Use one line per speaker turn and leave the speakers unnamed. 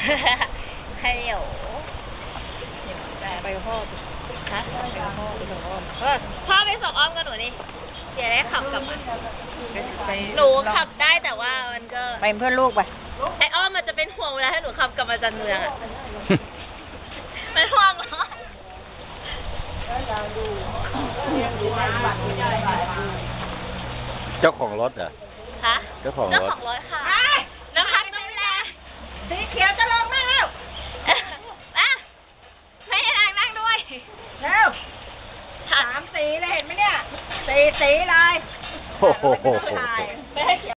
ฮัลโหล
ไปกับพ่อ
ฮะ
ไปกับพ่อไปส่งอ้อม
พ่อไปส่งอ้อมกับหนูนี่เดี๋ยวได้ขับกลับมาหนูขับได้แต่ว่ามันก็
ไปเพื่อนลูกไป
ไออ้อมมันจะเป็นห่วงเวลาให้หนูขับกลับมาจากเมืองอ่ะมันห่วงเหรอ
เจ้าของรถเหรอ
ฮะ
เจ้าของรถ
ค่ะน้ำพัดดูแลสีเขียวจะลงนั่งแล้วไม่ให้นั่งด้วย
เร็ว3 สีเลยเห็นไหมเนี่ย4 สีเลย
โอ้โห
ไม่ให้เขียว